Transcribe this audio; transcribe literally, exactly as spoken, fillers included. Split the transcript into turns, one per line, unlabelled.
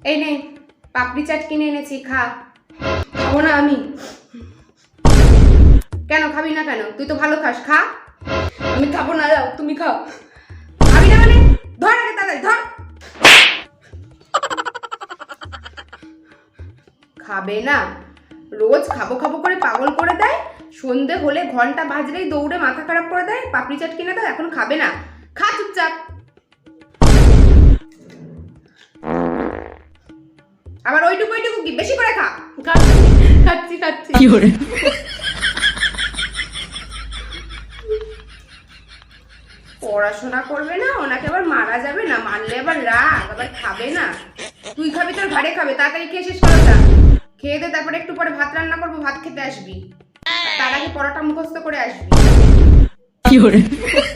এই নে পাপড়ি চাট কিনে এনেছি, খা। খাবো না আমি। কেন খাবি না কেন? তুই তো ভালো খাস, খা।
আমি খাবো না, যাও তুমি খাও।
খাবি না মানে ধর আগে তাড়াতাড়ি ধর। খাবে না, রোজ খাবো খাবো করে পাগল করে দেয়। সন্ধে হলে ঘন্টা বাজলেই দৌড়ে মাথা খারাপ করে দেয়। পাপড়ি চাট কিনে দাও, এখন খাবে না। খা চুপচাপ। আবার ওইটুকু ওইটুকু কি বেশি করে খা।
খাচ্ছি খাচ্ছি খাচ্ছি।
কি করে?
পড়াশোনা করবে না, ওনাকে আবার মারা যাবে না, মারলে আবার রাগ, আবার খাবে না। তুই খাবি তোর ঘরে খাবে, তাড়াতাড়ি খেয়ে শেষ করো না। খেয়ে দে, তারপরে একটু পরে ভাত রান্না করবো, ভাত খেতে আসবি। তার আগে পরোটা মুখস্থ করে আসবি।
কি করে?